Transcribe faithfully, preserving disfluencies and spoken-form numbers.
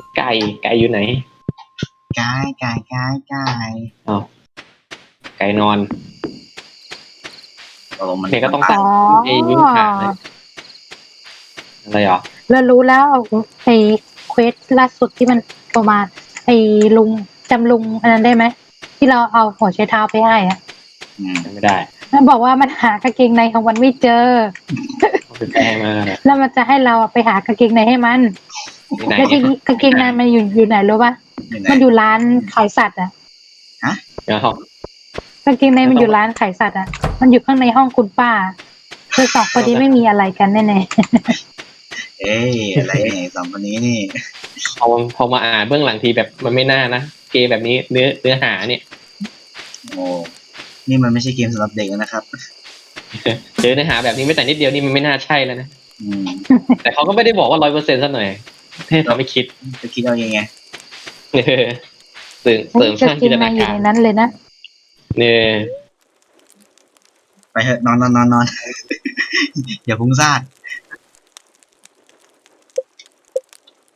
ไก่ไก่อยู่ไหนไก่ไก่ไก่ไก่อ๋อไก่นอนโอ้มันเนี่ยก็ต้องอ๋อไอ้ยุ้งฉางเลยอะไรหรอแล้วรู้แล้วไอ้เควสล่าสุดที่มันประมาณไอ้ลุงจำลุงอันนั้นได้ไหมที่เราเอาหัวใช้เท้าไปให้อะอืมจำไม่ได้มันบอกว่ามันหากางเกงในของมันไม่เจอเอาไปแปลมาเลยแล้วมันจะให้เราไปหากางเกงในให้มันที่ไหนแล้วทีนี้กางเกงในมันอยู่อยู่ไหนรู้ปะอยู่ไหนมันอยู่ร้านขายสัตว์อ่ะเดี๋ยวกางเกงในมันอยู่ร้านขายสัตว์อ่ะมันอยู่ข้างในห้องคุณป้าคือสองคนนี้ไม่มีอะไรกันแน่เอ้ยอะไรเนี่ยสองคนนี้นี่พอพอมาอ่านเบื้องหลังทีแบบมันไม่น่านะเกมแบบนี้เนื้อเนื้อหาเนี่ยโอ้นี่มันไม่ใช่เกมสำหรับเด็กแล้วนะครับเจอเนื้อหาแบบนี้ไม่แต่นิดเดียวนี่มันไม่น่าใช่แล้วนะอืมแต่เขาก็ไม่ได้บอกว่าร้อยเปอร์เซ็นต์ซะหน่อยให้ทำให้คิดจะคิดเอาเองไงเออเสริมๆเสริมสการ้างงเกจินงตในนาอยู่การในนั้นเลยนะเนี่ยไปเถอะนอนนอนนอนนอน อย่าพุ่งซ่าน